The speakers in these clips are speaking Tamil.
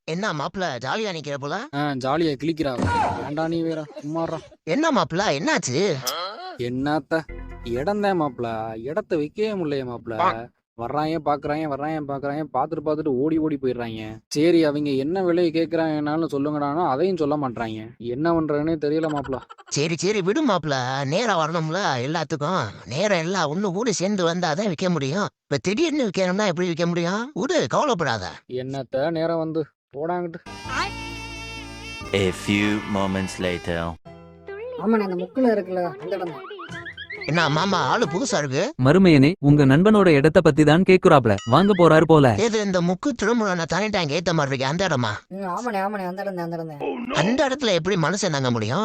என்ன மாப்பிள்ள ஜாலியா நிக்கிற போல? ஜாலியா கிளிக்கிறா. ஏன்டா நீ வேற சும்மாறா. என்ன மாப்பிள்ள என்னாச்சு? என்னத்த இடம் தான் மாப்பிள, இடத்த வைக்கவே முடியல மாப்பிள. வர்றாங்க பாக்குறாங்க பாத்துட்டு ஓடி ஓடி போயிடுறாங்க. சரி அவங்க என்ன விலையை கேக்குறாங்கன்னாலும் சொல்லுங்கடானோ அதையும் சொல்ல மாட்டாங்க. என்ன பண்றதுன்னே தெரியல மாப்பிள. சரி சரி விடு மாப்பிள்ள, நேரம் வரணும்ல எல்லாத்துக்கும். நேரம் எல்லாம் ஒண்ணு கூட சேர்ந்து வந்தாதான் விற்க முடியும். இப்ப திடீர்னு விற்கணும்னா எப்படி விற்க முடியும்? விடு, கவலைப்படாத. என்னத்த நேரம் வந்து போடாங்கிட்டு. A few moments later. ஆமாண்ணே, அந்த முக்குல இருக்குல்ல அந்த இடம். என்ன மாமா ஆளு புதுசா இருக்கு? மருமையனே, உங்க நண்பனோட இடத்த பத்தி தான் கேக்குறாப்ல. வாங்க போறாரு போல. ஏது இந்த முக்கு திருமுறை தனி டேங்க் ஏத்த மாதிரி இருக்கு அந்த இடமா? ஆமாண்ணே அந்த இடம். அந்த இடத்துல எப்படி மனுஷன் தங்க முடியும்?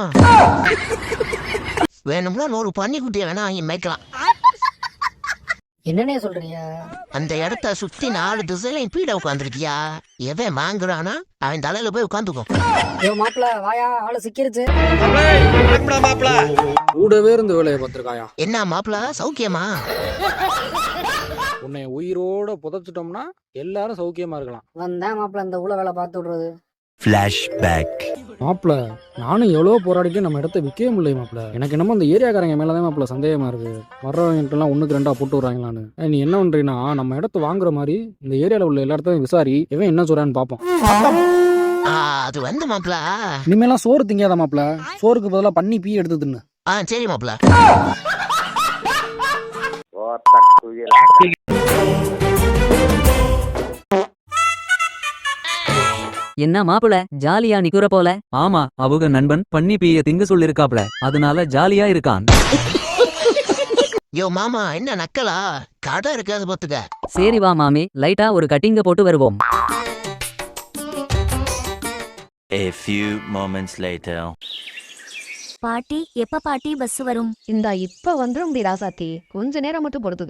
வேணும்னா 100 பன்னிக்குட்டியை வேணா வாங்கி மேய்க்கலாம். என்னன்னே சொல்றீங்க? அந்த இடத்த சுத்தி 4 திசையிலையும் பீட உட்காந்துருக்கியா? எவன் வாங்குறானா அவன் தலையில போய் உட்காந்துக்கும். மாப்பிள்ள வாயா, ஆளு சிக்கிருச்சு. கூடவே இருந்து வேலையை பார்த்திருக்காயா? என்ன மாப்பிள்ள சௌக்கியமா? உன்னை உயிரோட புதைச்சிட்டோம்னா எல்லாரும் சௌக்கியமா இருக்கலாம். வந்தேன் மாப்பிள்ள இந்த ஊழ வேலை பார்த்து விடுறது. Flashback. மாப்பிள, நானும் எவ்வளோ போராடிட்டு நம்ம இடத்த விற்கவே முடியல மாப்பிள. எனக்கு என்னமோ அந்த ஏரியாக்காரங்க மேலதான் மாப்பிள சந்தேகமா இருக்கு. வர்றவங்கலாம் 1க்கு 2 போட்டு விடுறாங்களான்னு. நீ என்ன பண்றீங்கன்னா நம்ம இடத்த வாங்குற மாதிரி இந்த ஏரியால உள்ள எல்லா இடத்தையும் விசாரி, இவன் என்ன சொல்றான்னு பாப்போம். அது வந்து மாப்பிள்ள, இனிமேலாம் சோறு திங்காத மாப்பிள. சோறுக்கு பதிலா பண்ணி பீ எடுத்து தின்னு. சரி மாப்பிள்ள. என்ன மாப்பிள ஜாலியா நிக்குற போல? ஆமா, அவங்க நண்பன் பண்ணி பீய திங்க சொல்லிருக்காப்ல, அதனால ஜாலியா இருக்கான். யோ மாமா, என்ன நக்கலா? கடை இருக்காது பாத்துக்க. சரி வா மாமி, லைட்டா ஒரு கட்டிங்க போட்டு வருவோம். A few moments later. பாட்டி எப்ப பாட்டி பஸ் வரும்? இந்தா இப்ப வந்துரும் டி ராசாத்தி, கொஞ்ச நேரம் மட்டும் பொறுத்துக்க.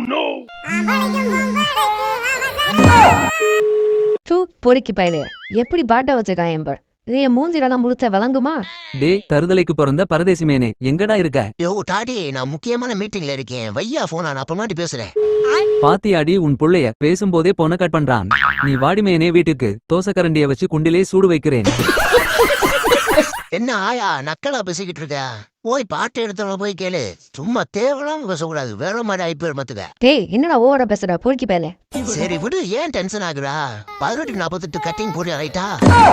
தூ பொறுக்கி பயலே, எப்படி பாட்ட வச்சிருக்கான் என்பர். இது என் மூஞ்சிலாம் முழுத்த விளங்குமா? டே தருதலைக்கு பிறந்த பரதேசி மேனே, எங்கடா இருக்க? யோ டாடி, நான் முக்கியமான மீட்டிங்ல இருக்கேன். வையா போன், நான் அப்புறமாட்டி பேசுறேன். பாத்தியாடி உன் புள்ளைய பேசும்போதே போன கட் பண்றான். நீ வாடி மேனே, வீட்டுக்கு தோசை கரண்டிய வச்சு குண்டிலே சூடு வைக்கிறேன். என்ன ஆயா நக்கலா பேசிக்கிட்டு இருக்க? போய் பாட்டு எடுத்தவன போய் கேளு. சும்மா தேவலாம் பேசக்கூடாது, வேற மாதிரி ஐபிஎல் மத்துக்க. டேய் என்னடா ஓவரா பேசுற பொறுக்கி பயலே? சரி விடு, ஏன் டென்ஷன் ஆகுறா? 18:48 கட்டிங் போறியா? ரைட்டா?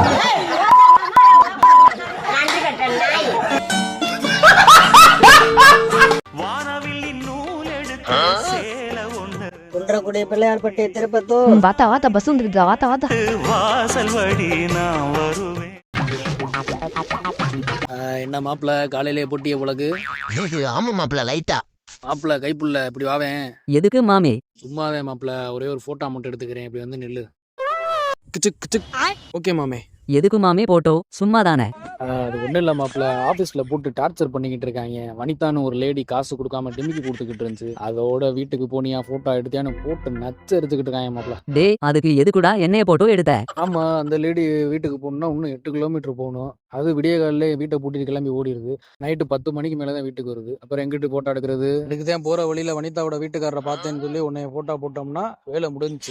குன்றக்குடி பிள்ளையார் பட்டி திருப்பத்தூர். வாத்தா பஸ் வந்துருக்குதா? வாத்தா வாசல் வழி நான் வருவேன். என்ன மாப்பிள காலையிலே போட்டிய உலகு? ஆமா மாப்பிள்ள, லைட்டா. மாப்பிள கைப்புள்ள இப்படி வாவேன். எதுக்கு மாமி? சும்மாவே மாப்பிள, ஒரே ஒரு போட்டோ மட்டும் எடுத்துக்கிறேன். இப்படி வந்து நில்லு. ஓகே மாமே. எதுக்கு மாமி போட்டோ? சும்மாதானே. அது ஒன்றும் இல்லை மாப்பிள்ள, ஆஃபீஸில் போட்டு டார்ச்சர் பண்ணிக்கிட்டு இருக்காங்க. வனிதான்னு ஒரு லேடி காசு கொடுக்காம டிமிக்கி கொடுத்துக்கிட்டு இருந்துச்சு. அதோட வீட்டுக்கு போனியா ஃபோட்டோ எடுத்தியான்னு போட்டு நச்சு எடுத்துக்கிட்டு இருக்காங்க மாப்பிள்ள. டே அதுக்கு எதுக்குடா என்னைய போட்டோ எடுத்த? ஆமாம், அந்த லேடி வீட்டுக்கு போகணுன்னா இன்னும் 8 கிலோமீட்டர் போகணும். அது விடிய காலையிலே வீட்டை பூட்டிட்டு கிளம்பி ஓடிடுது. நைட்டு 10 மணிக்கு மேலே தான் வீட்டுக்கு வருது. அப்புறம் எங்கிட்டு ஃபோட்டோ எடுக்கிறது? இதுக்கு தான் போகிற வழியில் வனிதாவோட வீட்டுக்காரரை பார்த்தேன்னு சொல்லி உன்னை ஃபோட்டோ போட்டோம்னா வேலை முடிஞ்சிச்சு.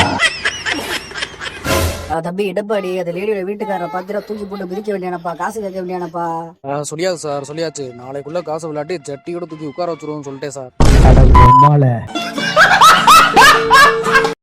தம்பி இடப்பாடி, அந்த லேடியோட வீட்டுக்காரரை பார்த்துட்டா தூக்கி போட்டு பிரிக்க வேண்டியானப்பா, காசு கேட்க வேண்டியானப்பா. சொல்லியாச்சு சார், சொல்லியாச்சு. நாளைக்குள்ள காசை விளையாட்டி சட்டியோட தூக்கி உட்கார வச்சிருவோம்னு சொல்லிட்டேன் சார்.